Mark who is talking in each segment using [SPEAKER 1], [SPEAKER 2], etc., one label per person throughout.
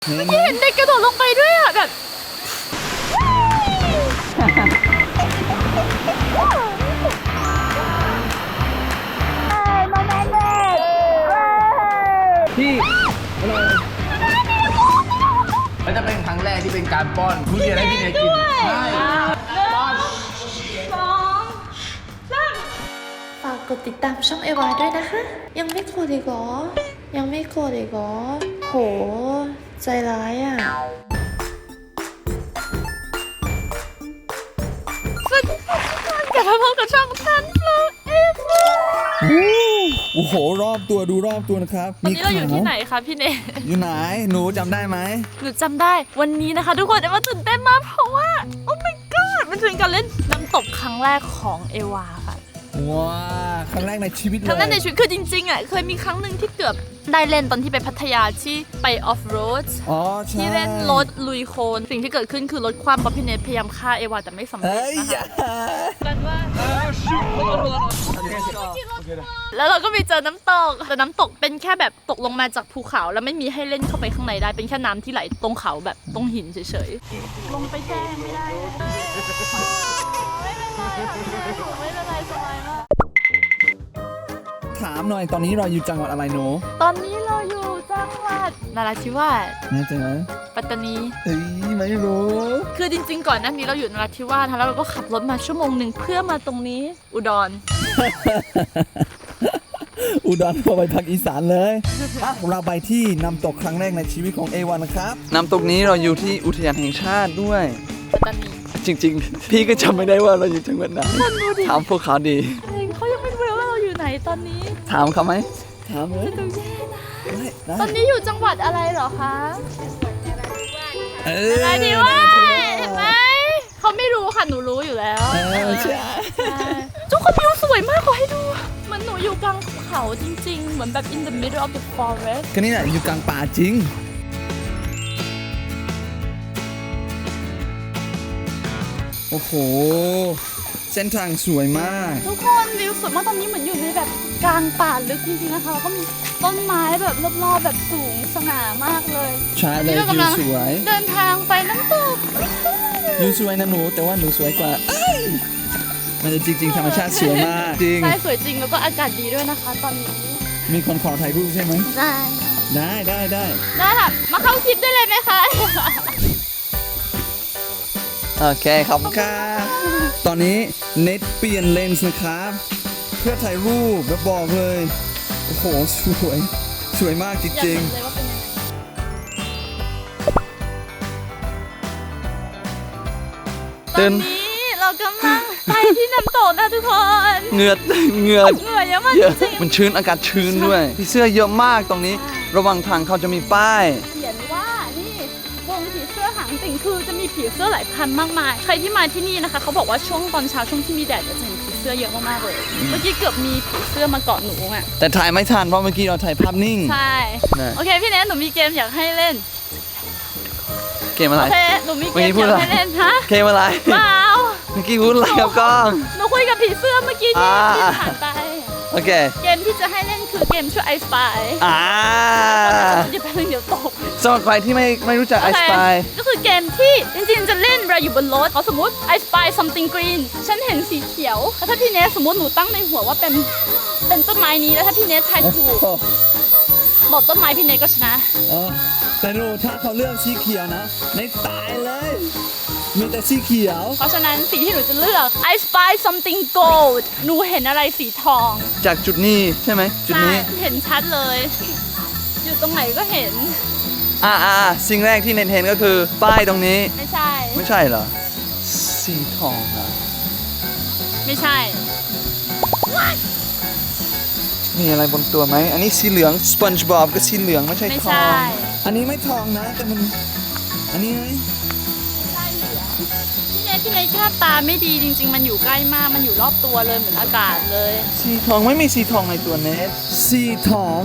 [SPEAKER 1] เมื่อกี้เห็นเด็กกระโดดลงไปด้วยอ่ะแบบ
[SPEAKER 2] พี่มันจะเป็นครั้งแรกที่เป็นการป้อนทุเรียนให้พี่เนยกินใช่ป้อน
[SPEAKER 1] ฝากกดติดตามช่องเอวาด้วยนะคะ ยังไม่กดอีกเหรอ ยังไม่กดอีกเหรอ โห ใจร้ายอ่ะ สวัสดีค่ะทุกคนกลับมาพบกับช่องซันฟลาวเอฟ
[SPEAKER 3] โอ้โหรอบตัวดูรอบตัวนะครับ
[SPEAKER 1] ตอนนี้เราอยู่ที่ไหนคะพี่เนย
[SPEAKER 3] อยู่ไหนหนูจำได้ไหม
[SPEAKER 1] หนูจำได้วันนี้นะคะทุกคนเอวาตื่นเต้นมากเพราะว่า โอ้ my god มันเป็นการเล่นน้ำตกครั้งแรกของเอวาค่ะ
[SPEAKER 3] ว้าครั้งแรกในชีวิตเลย
[SPEAKER 1] ครั้งแรกในชีวิตคือจริงๆอ่ะเคยมีครั้งหนึ่งที่เกือบได้เล่นตอนที่ไปพัทยาที่ไปออฟโรด
[SPEAKER 3] อ๋อใช่
[SPEAKER 1] ที่เล่นรถลุยโคลนสิ่งที่เกิดขึ้นคือรถคว่ำเพราะพี่เนทพยายามฆ่าเอวาแต่ไม่สำเร็จ
[SPEAKER 3] เฮ้ย
[SPEAKER 1] นะ
[SPEAKER 3] อย่า
[SPEAKER 1] คะกันว่าแล้วเราก็ไปเจอน้ำตกแต่น้ำตกเป็นแค่แบบตกลงมาจากภูเขาแล้วไม่มีให้เล่นเข้าไปข้างในได้เป็นแค่น้ำที่ไหลตรงเขาแบบตรงหินเฉยๆลงไปแจ้งไม่ได้ไม่เป็นไรสบายมาก
[SPEAKER 3] ถามหน่อยตอนนี้เราอยู่จังหวัดอะไรหนู
[SPEAKER 1] ตอนนี้เราอยู่จังหวัดนราธิวาส
[SPEAKER 3] แน่ใจไหม
[SPEAKER 1] ปัตตานี
[SPEAKER 3] เฮ้ยไม่รู้
[SPEAKER 1] คือจริงๆก่อนหน้านี้เราอยู่นราธิวาสนะแล้วเราก็ขับรถมาชั่วโมงหนึ่งเพื่อมาตรงนี้อุดร
[SPEAKER 3] อุดรพอไปภาคอีสานเลยเราไปที่น้ำตกครั้งแรกในชีวิตของเอวันนะครับน้ำตกนี้เราอยู่ที่อุทยานแห่งชาติด้วย
[SPEAKER 1] ปัตตานี
[SPEAKER 3] จริงๆ พี่ก็จำไม่ได้ว่าเราอยู่จังหวัดไหนถามพวกเขาดี
[SPEAKER 1] เขายังไม่รู้เลยว่าเราอยู่ไหนตอนนี้
[SPEAKER 3] ถามเขาไหมถามเลย
[SPEAKER 1] ดูแย่นะ
[SPEAKER 3] ได้
[SPEAKER 1] ตอนนี้อยู่จังหวัดอะไรเหรอคะ
[SPEAKER 3] เออน
[SPEAKER 1] ราธิวาสเห็นไหมเขาไม่รู้ค่ะหนูรู้อยู่แล้ว
[SPEAKER 3] ใช่
[SPEAKER 1] ทุกคนวิวสวยมากขอให้ดูเหมือนหนูอยู่กลางภูเขาจริงๆเหมือนแบบ in the middle of the forest
[SPEAKER 3] ก็นี่แหละอยู่กลางป่าจริง โอ้โห เส้นทางสวยมาก
[SPEAKER 1] ทุกคนวิวสวยมากตอนนี้เหมือนอยู่ในแบบกลางป่าลึกจริงๆนะคะแล้วก็มีต้นไม้แบบรอบๆแบบสูงสง่ามากเลย
[SPEAKER 3] ใช่เลย
[SPEAKER 1] ตอนนี้เรากำ
[SPEAKER 3] วิ
[SPEAKER 1] ลั
[SPEAKER 3] ว
[SPEAKER 1] ง
[SPEAKER 3] สวย
[SPEAKER 1] เดินทางไปน้ำตก
[SPEAKER 3] วิวสวยนะหนู แต่ว่าหนูสวยกว่าเอ้ยมันจริงๆ ธรรมชาติสวยมาก จริง
[SPEAKER 1] ใช่สวยจริงแล้วก็อากาศดีด้วยนะคะ ตอนนี้
[SPEAKER 3] มีคนขอถ่ายรูปใช่ไหม
[SPEAKER 1] ได้
[SPEAKER 3] ได้
[SPEAKER 1] ได้ค่ะมาเข้าคลิปได้เลยไหมคะ
[SPEAKER 3] โอเค ขอบคุณค่ะตอนนี้เน็ตเปลี่ยนเลนส์นะครับ เพื่อถ่ายรูปแล้วบอกเลย โอ้โห สวยมากจ
[SPEAKER 1] อยาก
[SPEAKER 3] ริง
[SPEAKER 1] เห็นเลยว่าเป็นยังไง
[SPEAKER 3] ๆ
[SPEAKER 1] ตอนนี้เรากำลังไปที่น้ำตกนะทุกคน
[SPEAKER 3] เหงื่อ
[SPEAKER 1] เหงื่อเยอะมาก
[SPEAKER 3] เยอะ
[SPEAKER 1] จริง
[SPEAKER 3] มันชื้นอากาศชื้นด้วยพี่เสื้อเยอะมากตรงนี้ ระหว่างทางเขาจะมีป้าย
[SPEAKER 1] เขียนว่านี่วงผีเสื้อหางติ่งคือจะมีผีเสื้อหลายพันมากมายใครที่มาที่นี่นะคะเขาบอกว่าช่วงตอนเช้าช่วงที่มีแดดจะเห็นผีเสื้อเยอะมากๆเลยเมื่อกี้เกือบมีผีเสื้อมาเกาะหนูอ่ะ
[SPEAKER 3] แต่ถ่ายไม่ทันเพราะเมื่อกี้เราถ่ายภาพนิ่ง
[SPEAKER 1] ใช่
[SPEAKER 3] นะ
[SPEAKER 1] โอเคพี่เนทหนูมีเกมอยากให้เล่น
[SPEAKER 3] เกมอะไร
[SPEAKER 1] โอเคหนูมีเก
[SPEAKER 3] เมื่อกี้
[SPEAKER 1] ม
[SPEAKER 3] พู
[SPEAKER 1] อ
[SPEAKER 3] ด
[SPEAKER 1] ยาก
[SPEAKER 3] อะไร
[SPEAKER 1] ให้เล่นฮะ
[SPEAKER 3] เกมอะไร
[SPEAKER 1] เปล่า
[SPEAKER 3] เมื่อกี้พูดอะไรกับกล้อง
[SPEAKER 1] หนูคุยกับผีเสื้อเมื่อกี้ที่
[SPEAKER 3] อ่า
[SPEAKER 1] ที่ผ่านไป
[SPEAKER 3] โอเค
[SPEAKER 1] เกมที่จะให้เล่นคือเกมชื่อไอสปาย เดี๋ยวแป๊บนึงเดี๋ยวตก
[SPEAKER 3] สำหรับใครที่ไม่รู้จักไอสปาย
[SPEAKER 1] ก็คือเกมที่จริงๆจะเล่นเราอยู่บนรถเขาสมมติ I spy something green ฉันเห็นสีเขียวแล้วถ้าพี่เนสสมมติหนูตั้งในหัวว่าเป็นต้นไม้นี้แล้วถ้าพี่เนสทายถูกบอกต้นไม้พี่เนสก็ชนะ
[SPEAKER 3] แต่ดูถ้าเขาเลือกสีเขียวนะ ในตายเลย มีแต่สีเขียว
[SPEAKER 1] เพราะฉะนั้นสีที่หนูจะเลือก I spy something gold หนูเห็นอะไรสีทอง
[SPEAKER 3] จากจุดนี้ใช่ไหมจุด
[SPEAKER 1] ใช่
[SPEAKER 3] นี้
[SPEAKER 1] เห็นชัดเลย อยู่ตรงไหนก็เห็น
[SPEAKER 3] สิ่งแรกที่เน้นเห็นก็คือป้ายตรงนี้
[SPEAKER 1] ไม่ใช่
[SPEAKER 3] ไม่ใช่เหรอ สีทองนะ
[SPEAKER 1] ไม่ใช่
[SPEAKER 3] มีอะไรบนตัวไหม อันนี้สีเหลือง SpongeBob ก็สีเหลืองไม่ใช่
[SPEAKER 1] ไม่
[SPEAKER 3] ทอ
[SPEAKER 1] ใช่
[SPEAKER 3] ง อันนี้ไม่ทองนะ แต่มัน อันนี้ไหม
[SPEAKER 1] ไม่ใช่เหลืองพี่เนทแค่ตาไม่ดีจริง ๆ มันอยู่ใกล้มากมันอยู่รอบตัวเลยเหมือนอากาศเลย
[SPEAKER 3] สีทองไม่มีสีทองในตัวเนสสีทอง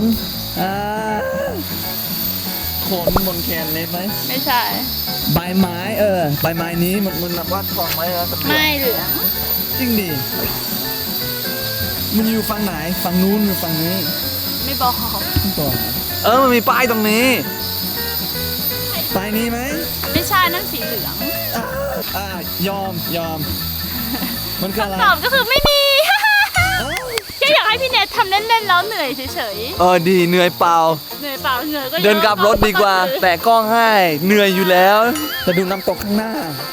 [SPEAKER 3] ขนบนแขนเนสไหม
[SPEAKER 1] ไม่ใช่
[SPEAKER 3] ใบไม้ใบไม้นี้มันนับว่าทองไหมนะ
[SPEAKER 1] ไม่เหลือง
[SPEAKER 3] จริงดิมันอยู่ฝั่งไหนฝั่งนู้นหรือฝั่งนี้
[SPEAKER 1] ไม่บอก
[SPEAKER 3] ไม่บอกมันมีป้ายตรงนี้
[SPEAKER 1] ใคร
[SPEAKER 3] ไปนี้ไหม
[SPEAKER 1] ไม่ใช่นั่นสีเหลือง
[SPEAKER 3] ยอม มันคืออะไร
[SPEAKER 1] คำตอบก็คือไม่มี แค่อยากให้พี่เนททำเล่นๆแล้วเหนื่อยเฉย
[SPEAKER 3] ดีเหนื่อยเปล่า
[SPEAKER 1] ๆเหนื่อยเปล่าเหนื่อยก็ยอะ
[SPEAKER 3] เดินกลับรถดีกว่า แต่กล้องให้เหนื่อยอยู่แล้วจะดูน้ำตกข้างหน้า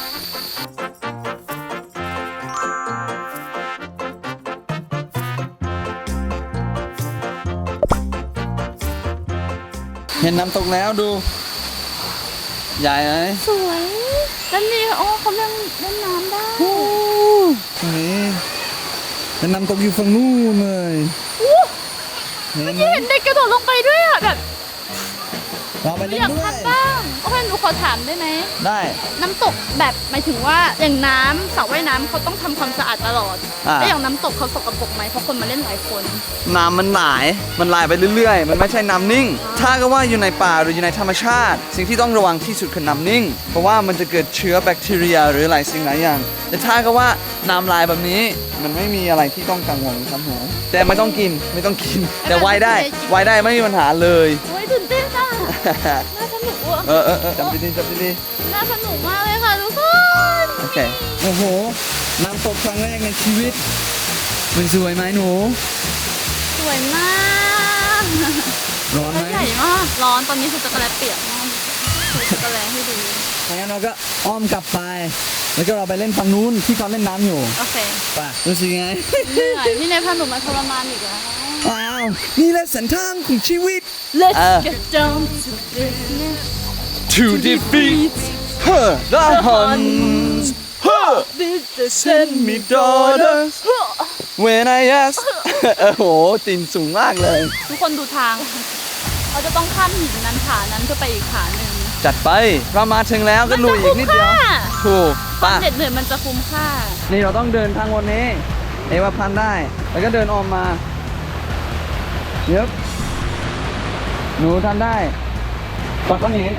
[SPEAKER 3] เห็นน้ำตกแล้วดู ใหญ่ไหม
[SPEAKER 1] สวยแล้วนี่เขาเล่นน้ำได้
[SPEAKER 3] ตรงนี้เป็นน้ำตกอยู่ฝั่งนู้นเลยเห็นไหม
[SPEAKER 1] เห็นเด็กกระโดดลงไปด้วยอ่ะแบบ
[SPEAKER 3] เราไปเล่น
[SPEAKER 1] อยาก
[SPEAKER 3] ด้วย
[SPEAKER 1] ทำบ้างโอเคหนูขอถามได้ไหม
[SPEAKER 3] ได้
[SPEAKER 1] น้ำตกแบบหมายถึงว่าอย่างน้ำสระว่ายน้ำเขาต้องทำความสะอาดตลอดแล้วอย่างน้ำตกเขาสกปรกไหมเพราะคนมาเล่นหลายคน
[SPEAKER 3] น้ำมันไหลไปเรื่อยๆ มันไม่ใช่น้ำนิ่ง ถ้าก็ว่าอยู่ในป่าหรืออยู่ในธรรมชาติ สิ่งที่ต้องระวังที่สุดคือน้ำนิ่ง เพราะว่ามันจะเกิดเชื้อแบคทีเรียหรือหลายสิ่งหลายอย่าง แต่ถ้าก็ว่าน้ำลายแบบนี้มันไม่มีอะไรที่ต้องกังวลครับผมแต่ไม่ต้องกิน แต่ว่ายได้ไม่มีปัญหาเลย
[SPEAKER 1] โอ้ยตื่นเต้นอ่ะน่าสนุกอ่ะ
[SPEAKER 3] จำดี
[SPEAKER 1] น่าสนุกมากเลยค่ะทุกคน
[SPEAKER 3] โอเค โอ้โห น้ำตกครั้งแรกในชีวิต มันสวยไหมหนู
[SPEAKER 1] สวยมาก
[SPEAKER 3] ร้อนไหม
[SPEAKER 1] ใหญ่มากร้อนตอนนี้คือจักรแลเปียกมากคือจักรแลให้ดู
[SPEAKER 3] งั้นเราก็อ้อมกลับไป แล้วก็เราไปเล่นฝั่งนู้นที่เขาเล่นน้ำอยู่
[SPEAKER 1] โอเค
[SPEAKER 3] ไปรู้สึกยังไง
[SPEAKER 1] เหนื่อยพี่เนยพาหนูมาทรมานอีกแล้ว
[SPEAKER 3] อ้าว นี่แหละสันทางของชีวิต
[SPEAKER 1] Let's get down to business
[SPEAKER 3] to defeat the Huns send me daughters when I ask โอ้โหตีนสูงมากเลย
[SPEAKER 1] ทุกคนดูทาง เราจะต้องข้ามหินนั้นผานั้นเพื่อไปอีกผาหนึ่ง
[SPEAKER 3] จัดไป เรามาถึงแล้วก็ลุยอีกนิดเดียว ถูก
[SPEAKER 1] ควา
[SPEAKER 3] ป่ะ
[SPEAKER 1] มเหน็ดเหนื่อยมันจะคุ้มค่า
[SPEAKER 3] นี่เราต้องเดินทางวันนี้ เอว่าพันได้ แล้วก็เดินออกมาเย็บหนูทำได้ปักก้อนหิน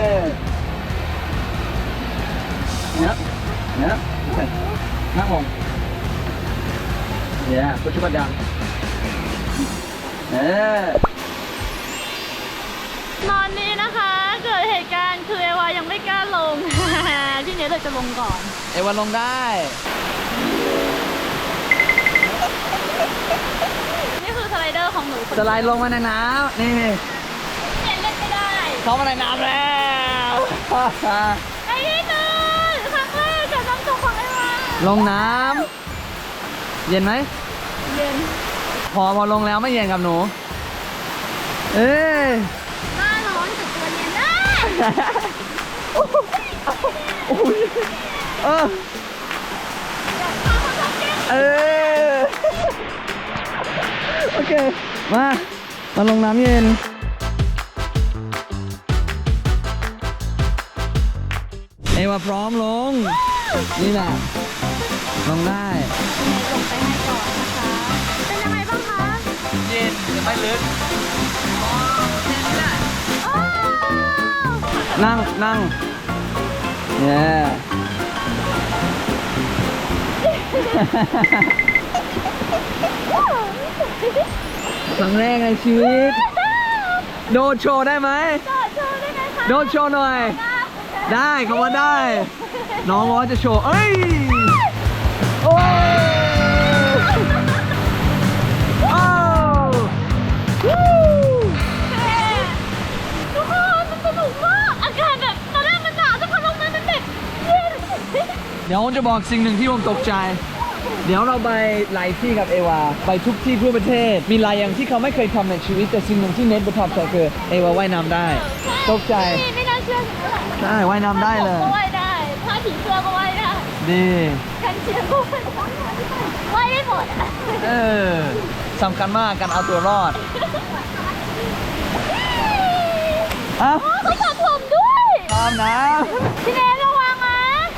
[SPEAKER 3] เนี้ยนั่งลงพุชบัดดัง
[SPEAKER 1] ตอนนี้นะคะเกิดเหตุการณ์คือเอวายังไม่กล้าลง พี่เนทเลยจะลงก่อน
[SPEAKER 3] เอวาลงได้
[SPEAKER 1] นี่คือสไลเดอร์ของหนูคน
[SPEAKER 3] สไลด์ลงมาในน้ำนี่
[SPEAKER 1] พี่เนทเล่นไม่ได้
[SPEAKER 3] เข้ามาในน้ำแล้ว
[SPEAKER 1] ไอ้นี่นึงครั้งแรกกับน้ำตกของเอวา
[SPEAKER 3] ลงน้ำเย็นไหม
[SPEAKER 1] เย็น
[SPEAKER 3] พอลงแล้วไม่เย็นกับหนู เอ้ย
[SPEAKER 1] หน้าร้อนแต่ตัวเย็นนะ
[SPEAKER 3] เออโอเค มาลงน้ำเย็น เอวาพร้อมลง นี่แหละ ลงได้
[SPEAKER 1] พี่เนทลงไปให้ก่อนนะคะ เป็นยังไงบ้างคะ
[SPEAKER 3] เย็นไม่ลึก
[SPEAKER 1] อ้าว
[SPEAKER 3] นั่งเย้ครั้งแรกในชีวิต โดดโชว์ได้ไหม
[SPEAKER 1] ต่อโชว์ได้ไหมคะ
[SPEAKER 3] โดดโชว์หน่อย ได้เขาว่าได้ น้องว่าจะโชว์ เอ้ย โอ้โอ้วู้
[SPEAKER 1] ทุกคนมันสนุกมาก อากาศแบบตอนแรกมันหนาวแต่พอลงมามันแบบเย็น
[SPEAKER 3] เดี๋ยวผมจะบอกสิ่งหนึ่งที่ผมตกใจ เดี๋ยวเราไปหลายที่กับเอวา ไปทุกที่ทั่วประเทศ มีหลายอย่างที่เขาไม่เคยทำในชีวิต แต่สิ่งหนึ่งที่เน็ตประทับใจคือเอวาว่ายน้ำได้ ตกใจ
[SPEAKER 1] ไม่น่าเชื่อฉันเลย
[SPEAKER 3] ใช่ว่ายน้ำได้เลย
[SPEAKER 1] ก็ว่ายได้ผ้าผีเสื้อก็ว่ายได้
[SPEAKER 3] ดี
[SPEAKER 1] กันเชียงก็ว่ายได้ว่ายได้หมด
[SPEAKER 3] สำคัญมากการเอาตัวรอดเอ้า
[SPEAKER 1] เขาสระผมด้วย
[SPEAKER 3] ตามน้
[SPEAKER 1] พี่เนทระวังนะ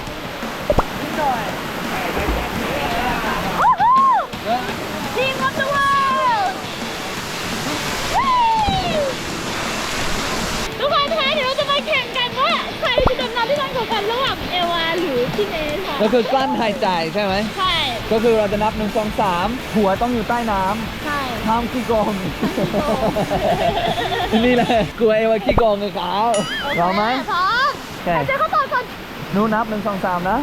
[SPEAKER 1] ทีมออฟเดอะเวิลด์ทุกคนคะเดี๋ยวเราจะมาแข่งกันว่าใครจะดำน้ำได้นานกว่ากันระหว่างเอวาหรือพี่เนทค่ะ
[SPEAKER 3] ำก็คือกลั้นหายใจใช่ไหม
[SPEAKER 1] ใช่
[SPEAKER 3] ก็คือเราจะนับ1 2 3 หัวต้องอยู่ใต้น้
[SPEAKER 1] ใช่
[SPEAKER 3] ำห้ามขี้โกง นี่แหละกลัวเอวาขี้โกงเลยครับพร้อมไหม
[SPEAKER 1] พร้อม
[SPEAKER 3] เค
[SPEAKER 1] เจ๊เขาต่อก่อน
[SPEAKER 3] หนูนับ1 2 3นะ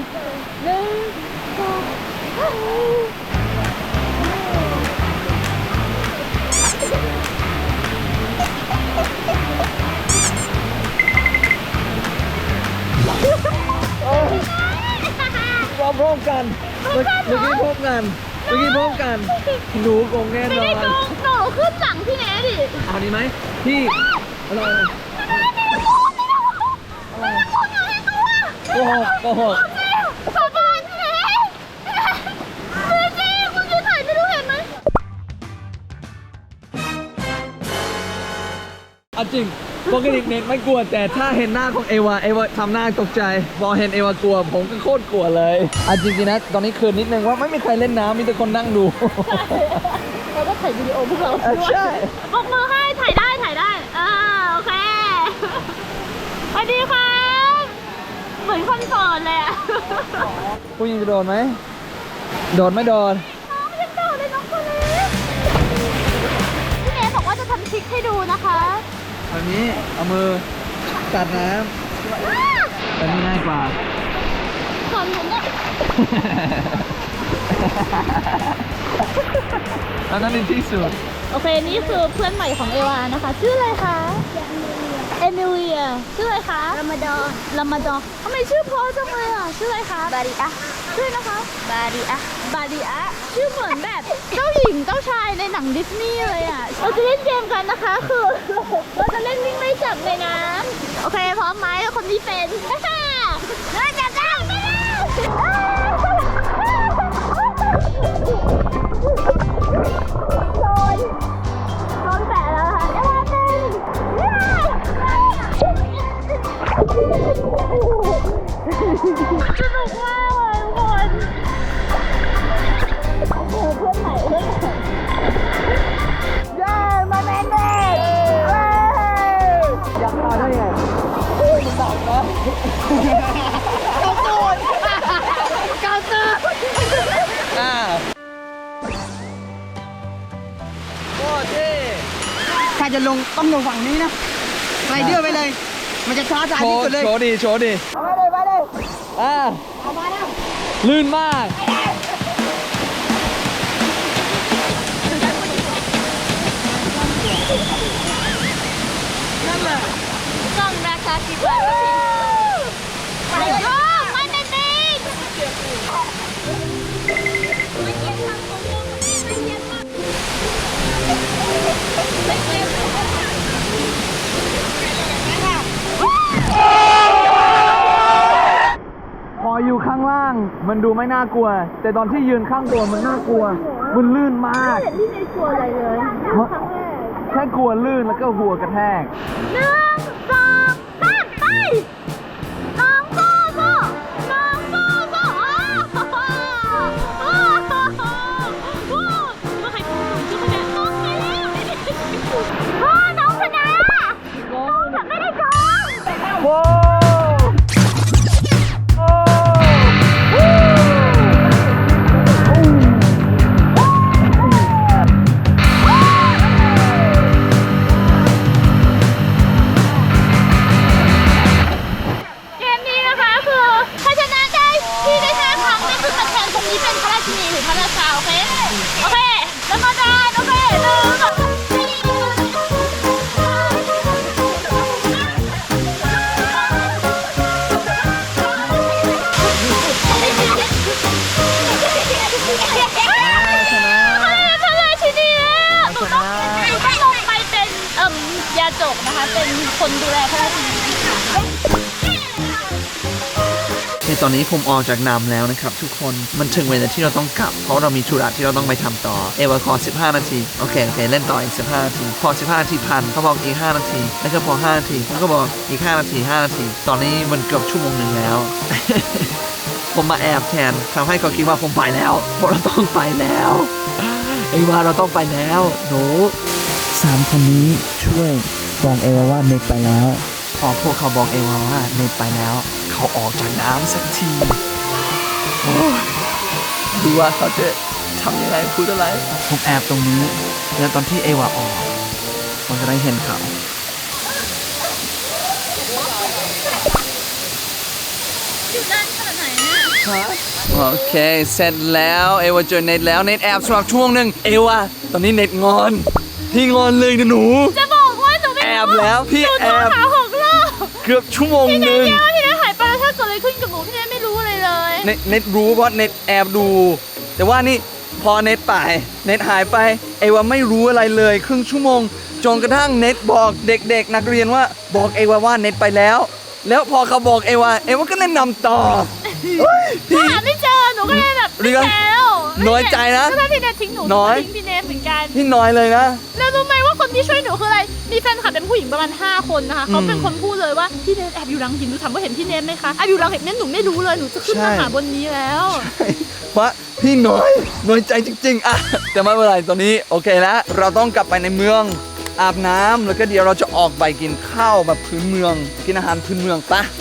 [SPEAKER 3] พร้อมกันเมื่อกี้พร้อมกันหนูคงแน่น
[SPEAKER 1] ไม่
[SPEAKER 3] อ
[SPEAKER 1] ได้
[SPEAKER 3] น
[SPEAKER 1] โกงหนูขึ้นหลังพี่แน่ดิ
[SPEAKER 3] เอาดีไหมพี่อะไรโกหก
[SPEAKER 1] ขอบคุณพี่แน่จริงคุณยืนถ่ายไม่รู้เห็นไหม
[SPEAKER 3] เอาจริงปกติเน็กไม่กลัวแต่ถ้าเห็นหน้าของเอวาทำหน้าตกใจพอเห็นเอวากลัวผมก็โคตรกลัวเลยเอาจริงๆนะตอนนี้คืนนิดนึงว่าไม่มีใครเล่นน้ำมีแต่คนนั่งดู
[SPEAKER 1] เราก็ถ่ายวิดีโอพวกเราด้วย
[SPEAKER 3] ใช่
[SPEAKER 1] บอกมือให้ถ่ายได้โอเคสวัสดีครับเหมือนคนสอนเลยอะ
[SPEAKER 3] ผู้หญิงจะโดนไหมโดนไม่โดน
[SPEAKER 1] น้องยังโดดเลยน้องคนเล็กพี่เนยบอกว่าจะทำทริคให้ดูนะคะ
[SPEAKER 3] แบบนี้เอามือกัดน้ำแบบนี้ง่ายกว่า
[SPEAKER 1] สอนผมเนี่ย
[SPEAKER 3] แล้วนั่นเป็นที่สุด
[SPEAKER 1] โอเคนี่คือเพื่อนใหม่ของเอวานะคะ ชื่ออะไรคะเอมิเลียชื่ออะไรคะรามาดอนทำไมชื่อเพราะจังเลยอ่ะชื่ออะไรคะบาริอะชื่อนะคะบาริอะชื่อเหมือนแบบเจ้าหญิงเจ้าชายในหนังดิสนีย์เลยอ่ะเราจะเล่นเกมกันนะคะคือเราจะเล่นวิ่งไล่จับในน้ำโอเคพร้อมไหมคนที่เป็นเราจับได้ไปแล้วโดนแปะแล้วค่ะเอวาเป็นสนุกมากเลยทุกคนโอ้โหเพื่อนใหม่เย้มาแมนเด็ก
[SPEAKER 3] อยากมาได้ไงมันดับนะเกาตูนโคตรเท่
[SPEAKER 4] ถ้าจะลงต้องลงฝั่งนี้นะไรเดอร์ไปเลย มันจะท้าทายที่สุดเลย
[SPEAKER 3] โชว์ดิ
[SPEAKER 4] ไปเลย
[SPEAKER 3] มาแล้วลื่นมาก
[SPEAKER 1] กล้องนะคะคิดว่าไปโย่ไม่เป็นจริง
[SPEAKER 3] พออยู่ข้างล่างมันดูไม่น่ากลัว แต่ตอนที่ยืนข้างบนมันน่ากลัว มันลื่นมาก
[SPEAKER 1] ที่ในกลัวอะไรเลยครั้งแรก
[SPEAKER 3] แค่กลัวลื่นแล้วก็หัวกระแทก
[SPEAKER 1] 1 2 3ไปน้องโซ่น้องโซ่โอ้มาใครพูดชื่อคนนี้น้องไปแล้วน้องชนะแต่ไม่ได้โกง
[SPEAKER 3] โว้
[SPEAKER 1] เกมนี้นะคะคือถ้าชนะได้ที่ได้5 ครั้งนั่นคือตำแหน่งตรงนี้เป็นพระราชินีหรือพระราชาโอเคแล้วมาดานโอเค
[SPEAKER 3] ชนะ
[SPEAKER 1] พระราชินีแล้วหนูต้องลงไปเป็นยาจกนะคะเป็นคนดูแลพระราชินี
[SPEAKER 3] ตอนนี้ผมออกจากน้ำแล้วนะครับทุกคนมันถึงเวลาที่เราต้องกลับเพราะเรามีธุระที่เราต้องไปทำต่อเอวาขอ15 นาทีโอเคเล่นต่ออีก15 นาทีพอ15 นาทีพันเขาบอกอีก5 นาทีแล้วก็พอ5 นาทีผมก็บอกอีก5 นาที5 นาทีตอนนี้มันเกือบชั่วโมงหนึ่งแล้ว ผมมาแอบแทนทำให้เขาคิดว่าผมไปแล้วเพราะเราต้องไปแล้วเอวาเราต้องไปแล้วหนู3 คนนี้ช่วยบอกเอวาว่าเน็กไปแล้วพอพวกเขาบอกเอวาว่าเน็กไปแล้วเขาออกจากน้ำสักทีดูว่าเขาจะทำยังไงพูดอะไรผมแอบตรงนี้แล้วตอนที่เอวาออกผมจะได้เห็นเขา
[SPEAKER 1] นขนาดไหนเนี่ย
[SPEAKER 3] โอเคเสร็จแล้วเอวาเจอเน็ตแล้วเน็ตแอบสมัครช่วงหนึ่งเอวาตอนนี้เน็ตงอนพี่งอนเลยนะหนู
[SPEAKER 1] จะบอกว่าหนูไม่
[SPEAKER 3] แอบแล้วพี่
[SPEAKER 1] หนู
[SPEAKER 3] แอ
[SPEAKER 1] โทร
[SPEAKER 3] บ
[SPEAKER 1] หา6 รอบ
[SPEAKER 3] เกือบชั่วโมง
[SPEAKER 1] พี่
[SPEAKER 3] ห
[SPEAKER 1] เน
[SPEAKER 3] นึ่
[SPEAKER 1] ท
[SPEAKER 3] ง
[SPEAKER 1] แกว่าพี่เนทหายไปแล้วถ้าเกิดอะไรขึ้นกับหนูพี่เนทไม่รู้อะไรเลย
[SPEAKER 3] เน็ตรู้เพราะเน็ตแอบดู แต่ว่านี่พอเน็ตไปเน็ตหายไปเอวาไม่รู้อะไรเลยครึ่งชั่วโมงจนกระทั่งเน็ตบอกเด็กๆนักเรียนว่าบอกเอวาว่าเน็ตไปแล้ว แล้วพอเขาบอกเอวาก็เล่นนำต่อเฮ้ยพี่
[SPEAKER 1] หาไม่เจอหนูก็เลยแบบ
[SPEAKER 3] เรื่อง
[SPEAKER 1] แล้ว
[SPEAKER 3] น้อยใจนะ
[SPEAKER 1] ก็ถ้าพี่เนททิ้งหนู
[SPEAKER 3] น้อย
[SPEAKER 1] ทิ้งพี่เนทเหมือนกัน
[SPEAKER 3] พี่น้อยเลยนะ
[SPEAKER 1] แล้วรู้ไหมว่าคนที่ช่วยหนูคืออะไรมีแฟนคลับเป็นผู้หญิงประมาณ5 คนนะคะเขาเป็นคนพูดเลยว่าพี่เนทแอบอยู่หลังหินหนูถามว่าเห็นพี่เนทไหมคะแอบอยู่หลังหินเนี่ยหนูไม่รู้เลยหนูจะขึ้นมาหาบนนี้แล้ว
[SPEAKER 3] เพราะพี่น้อยใจจริงๆอะแต่ไม่เป็นไรตอนนี้โอเคแล้วเราต้องกลับไปในเมืองอาบน้ำแล้วก็เดี๋ยวเราจะออกไปกินข้าวแบบพื้นเมืองกินอาหารพื้นเมืองปะ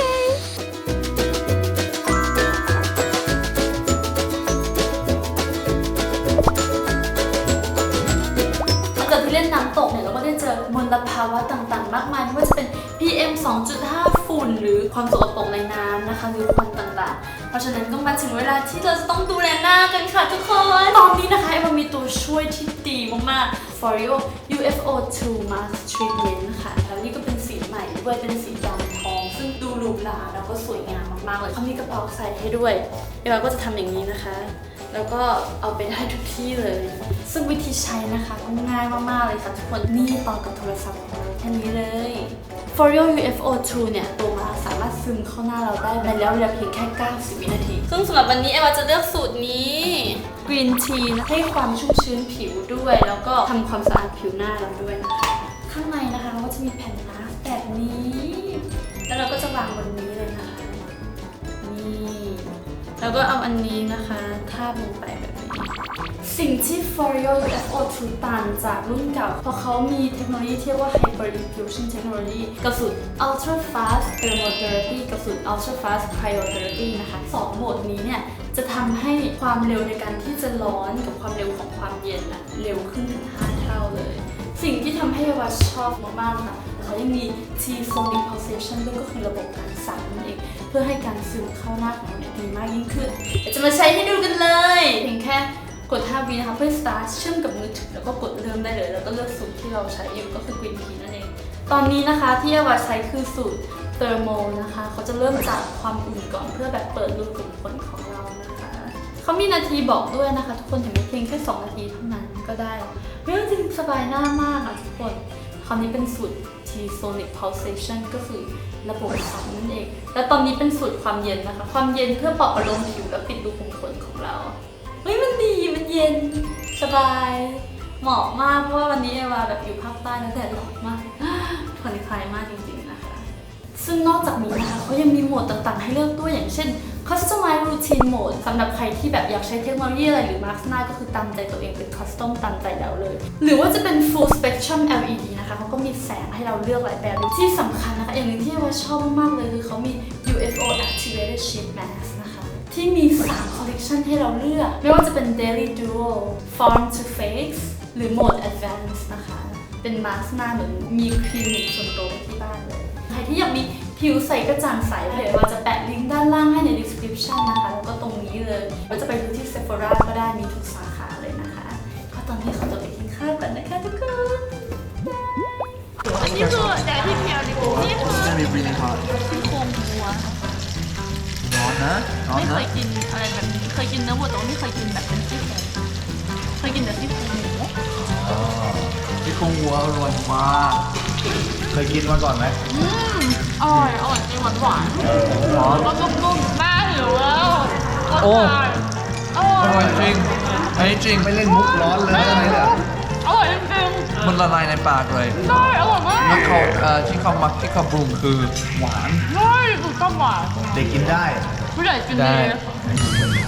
[SPEAKER 1] เกิดที่เล่นน้ำตกเนี่ยเราก็ได้เจอมลภาวะต่างๆ มากมายไม่ว่าจะเป็น PM 2.5 ฝุ่นหรือความสกปรกในน้ำนะคะหรือควันต่างๆเพราะฉะนั้นก็มาถึงเวลาที่เราจะต้องดูแลหน้ากันค่ะทุกคนตอนนี้นะคะมันมีตัวช่วยที่ดีมากๆ Foreo UFO2 Mask Treatment ค่ะแล้วนี่ก็เป็นสีใหม่ด้วยเป็นสีดำทองซึ่งดูหรูหราแล้วก็สวยงามมากๆเลยเขามีกระเป๋าใส่ให้ด้วยเอวาก็จะทำอย่างนี้นะคะแล้วก็เอาไปได้ทุกที่เลย ซึ่งวิธีใช้นะคะก็ง่ายมากๆเลยค่ะทุกคน นี่ต่อกับโทรศัพท์ของเราแค่นี้เลย Foreo UFO2 เนี่ยตัวมาสามารถซึมเข้าหน้าเราได้ในระยะเวลาเพียงแค่90 วินาที ซึ่งสำหรับวันนี้เอวาจะเลือกสูตรนี้ Green Tea ให้ความชุ่มชื้นผิวด้วย แล้วก็ทำความสะอาดผิวหน้าเราด้วยนะคะ ข้างในนะคะเราก็จะมีแผ่นมาสก์แบบนี้ แล้วเราก็จะวางบนนี้เลยนะคะ นี่ แล้วก็เอาอันนี้นะคะทาบลงไปแบบนี้ สิ่งที่ Foreo UFO2 ต่างจากรุ่นเก่าเพราะเขามีเทคโนโลยีที่เรียกว่า Hyper Diffusion Technology กับสูตร Ultra Fast Thermotherapy กับสูตร Ultra Fast Cryotherapy นะคะ2โหมดนี้เนี่ยจะทำให้ความเร็วในการที่จะร้อนกับความเร็วของความเย็นอะเร็วขึ้นถึง5 เท่าเลย สิ่งที่ทำให้วาชอบมากๆค่ะเขายังมี T-sonic pulsation ด้วยก็คือระบบการสั่นนั่นเองเพื่อให้การซึมเข้าหน้าของเราเนี่ยดีมากยิ่งขึ้นเดี๋ยวจะมาใช้ให้ดูกันเลยเพียงแค่กด 5 วินะคะเพื่อ start เชื่อมกับมือถือแล้วก็กดเริ่มได้เลยแล้วก็เลือกสูตรที่เราใช้อยู่ก็คือ Green Tea นั่นเองตอนนี้นะคะที่วาใช้คือสูตร Thermal นะคะเขาจะเริ่มจากความอุ่นก่อนเพื่อแบบเปิดรูขุมขนของเรานะคะเขามีนาทีบอกด้วยนะคะทุกคนเห็นไหมเพียงแค่2 นาทีเท่านั้นก็ได้เรื่องจริงสบายหน้ามากอ่ะทุกคนคราวนี้เป็นสูตร T-sonic pulsation ก็คือระบบสั่นนั่นเองและตอนนี้เป็นสูตรความเย็นนะคะความเย็นเพื่อปลอบประโลมผิวและปิดรูขุมขนของเราเฮ้ยมันดีมันเย็นสบายเหมาะมากเพราะว่าวันนี้เอวาแบบอยู่ภาคใต้แล้วแดดร้อนมากผ่อนคลายมากจริงๆนะคะซึ่งนอกจากนี้นะคะเขายังมีโหมดต่างๆให้เลือกด้วยอย่างเช่น Customize Routine Mode สำหรับใครที่แบบอยากใช้เทคโนโลยีอะไรหรือ Mask หน้าก็คือตามใจตัวเองเป็น Custom ตามใจเราเลยหรือว่าจะเป็น Full Spectrum LED นะคะเขาก็มีแสงให้เราเลือกหลายแบบที่สำคัญนะคะอย่างหนึ่งที่ว่าชอบมากๆเลยคือเขามี UFO Activated Sheet Mask นะคะที่มี3 collection ให้เราเลือกไม่ว่าจะเป็น Daily Duo Farm to Face หรือ Mode Advanced นะคะเป็นมาสก์หน้าเหมือนมีคลินิกส่วนตัวที่บ้านเลยใครที่อยากมีผิวใสกระจ่างใสเดี๋ยวเราจะแปะลิงก์ด้านล่างให้ใน description นะคะแล้วก็ตรงนี้เลยเราจะไปดูที่ Sephora ก็ได้มีทุกสาขาเลยนะคะก็ตอนนี้เขาจะไปกินข้าวกันนะคะทุกคนอันนี้คือแดดที่เพียวดินี่คือ
[SPEAKER 3] จะมี really hot
[SPEAKER 1] ซี่โครงวัว
[SPEAKER 3] ร้อนนะร้อน
[SPEAKER 1] ไม่เค
[SPEAKER 3] นะ
[SPEAKER 1] ยกินอะไรแบบนี้เคยกินเนื้อวัวแต่ว่าไม่เคยกินแบบเป็นซี่โครงเคยกินแต่ซี่โครงหมู
[SPEAKER 3] ที่คงวัวอร่อยมาก
[SPEAKER 2] เคยกินมาก่อนไหม
[SPEAKER 1] อร่อยจริงหวานหวานแล้วก็นุ่มๆน่าหิวแล้ว
[SPEAKER 3] โอ้
[SPEAKER 1] อร่
[SPEAKER 3] อ
[SPEAKER 1] อย
[SPEAKER 3] ร่อยจริงอันนี้จริง
[SPEAKER 2] ไม่เล่นมุกร้อนเลยอะไรเนี่ย
[SPEAKER 1] อร่อยจริง
[SPEAKER 3] มันละลายในปากเลย
[SPEAKER 1] ๆได้อร่อยมาก
[SPEAKER 3] แล้วเขาที่เขามักที่เขาปรุงคือหวาน
[SPEAKER 1] ได้ถูกต้องหวาน
[SPEAKER 2] เด็กกินได้
[SPEAKER 1] ผู้ใหญ่กิน
[SPEAKER 3] ได้
[SPEAKER 1] ดี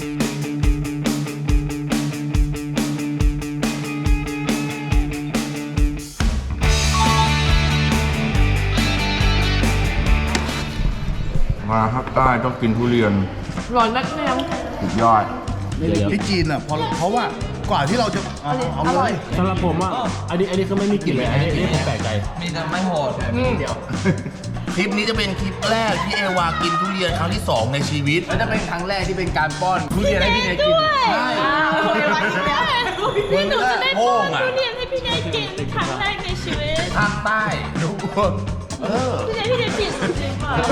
[SPEAKER 2] มาภาคใต้ต้องกินทุเรียน
[SPEAKER 1] ร้อนนักเรียน
[SPEAKER 2] สุดยอดที่จีนอ่ะเพราะว่ากว่าที่เราจะเอาเลย
[SPEAKER 5] สำหรับผมอ่ะ อันนี้คือไม่มีกลิ่นเลย อันนี้ผมแปลกใจ
[SPEAKER 3] มีแต่ไม่โหด
[SPEAKER 2] เค็ลิปนี้จะเป็นคลิปแรกที่เอวากินทุเรียนครั้งที่ 2 ในชีวิตและจะเป็นครั้งแรกที่เป็นการป้อนทุเรียนให้พี่เนยกินใช่
[SPEAKER 1] พี่หนูจะได้ป้อนทุเรียนให้พี่เนยกินครั้งแรกในชีวิต
[SPEAKER 2] ภาคใต้ทุกคน
[SPEAKER 1] พี่เนยผิดจริงเปล่า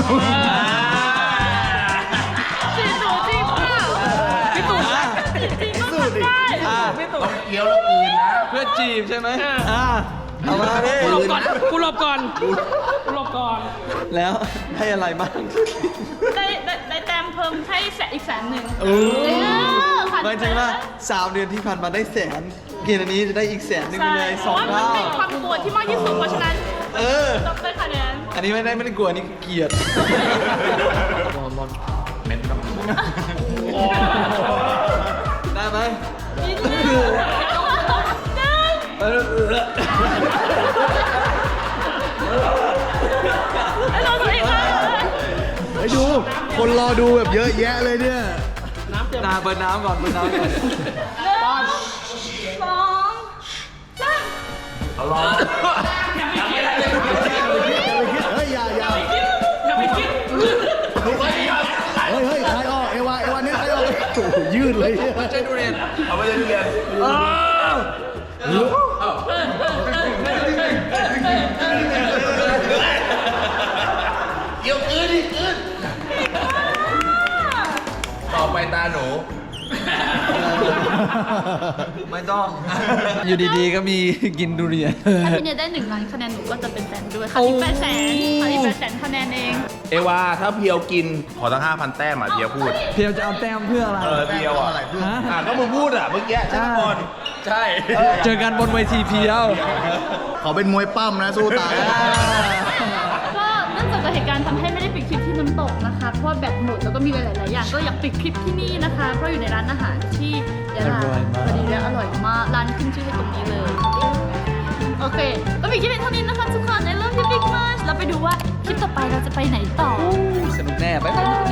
[SPEAKER 1] จริงหนูจริงเปล่าพี่ตู่จริงต้องทำได้
[SPEAKER 2] ต้องเคี้ยวแล้วกลืนนะ
[SPEAKER 3] เพื่อจีบใช่ไหมเอามาดิ
[SPEAKER 5] กูหลบก่อน
[SPEAKER 3] แล้วให้อะไรบ้าง
[SPEAKER 1] ได้แต้มเพิ่มให้อีก100,000
[SPEAKER 3] หมายถึงว่า3 เดือนที่ผ่านมาได้100,000กินอันนี้จะได้อีก100,000ไปเลย
[SPEAKER 1] เพราะว่า
[SPEAKER 3] 2
[SPEAKER 1] มัน
[SPEAKER 3] เท่า
[SPEAKER 1] เป็นความกลัวที่มากที่สุดเพราะฉะนั้น ต้องได้คะแนน
[SPEAKER 3] อันนี้ไม่ได้กลัวอันนี้เกลียดได้ไหม
[SPEAKER 2] ไปดู คนรอดูแบบเยอะแยะเลยเนี่ย
[SPEAKER 3] เปิดน้ำก่อน
[SPEAKER 1] 1 2 3
[SPEAKER 2] เฮ้ยอย่าเฮ้ยใครออกเอวาเนี่ยใครออกโอ้โหยืดเลย
[SPEAKER 3] ใช่ทุเรียน
[SPEAKER 2] เอาไปเลยทุเรียนเกี่ยวคืนดิคืนต่อไปตาหนู
[SPEAKER 3] ไม่ต้อง อยู่ดีๆก็มีกินทุเรียน
[SPEAKER 1] ถ้าพี่เนยได้1 ล้านคะแนนหนูก็จะเป็นแฟนด้วยค่ะอีก800,000คะแนนเอง
[SPEAKER 2] เอวาถ้าเพียวกินขอตั้ง 5,000 แต้มอ่ะเพียวพูด
[SPEAKER 3] เพียวจะเอาแต้มเพื่ออะไร
[SPEAKER 2] เพียวอ่ะก็มึงพูดอ่ะเมื่อกี้ใช่ไหมบอลใช่
[SPEAKER 3] เจอกันบนเวทีเพียว
[SPEAKER 2] เขาเป็นมวยปั้มนะสู้ตาย
[SPEAKER 1] ก็เนื่องจากเกิดเหตุการณ์ทำให้ไม่ได้ปิดคลิปที่น้ำตกนะคะ เพราะว่าแบตหมดแล้วก็มีหลายๆอย่างก็อยากปิดคลิปที่นี่นะคะ เพราะอยู่ในร้านอาหารที่ยะลา
[SPEAKER 3] อร่อยมาก
[SPEAKER 1] พอดีและอร่อยมากร้านขึ้นชื่อให้ตรงนี้เลย โอเคก็ปิดคลิปเป็นเท่านี้นะคะทุกคน I love you big much เราไปดูว่าคลิปต่อไปเราจะไปไหนต่อ
[SPEAKER 3] สนุกแน่ไป